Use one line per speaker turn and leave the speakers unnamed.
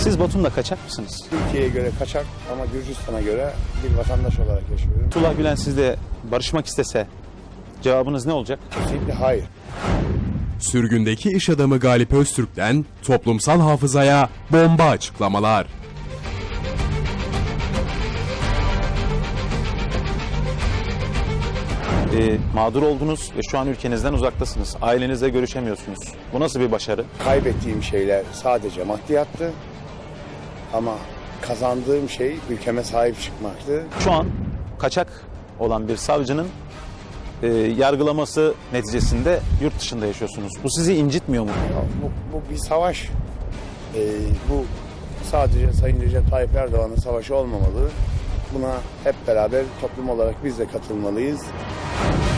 Siz Batum'da kaçak mısınız?
Türkiye'ye göre kaçak ama Gürcistan'a göre bir vatandaş olarak yaşıyorum.
Fethullah Gülen sizle barışmak istese cevabınız ne olacak?
Kesinlikle hayır.
Sürgündeki iş adamı Galip Öztürk'ten toplumsal hafızaya bomba açıklamalar.
Mağdur oldunuz ve şu an ülkenizden uzaktasınız. Ailenizle görüşemiyorsunuz. Bu nasıl bir başarı?
Kaybettiğim şeyler sadece maddiyattı. Ama kazandığım şey ülkeme sahip çıkmaktı.
Şu an kaçak olan bir savcının yargılaması neticesinde yurt dışında yaşıyorsunuz. Bu sizi incitmiyor mu?
Ya bu bir savaş. Bu sadece Sayın Recep Tayyip Erdoğan'ın savaşı olmamalı. Buna hep beraber toplum olarak biz de katılmalıyız.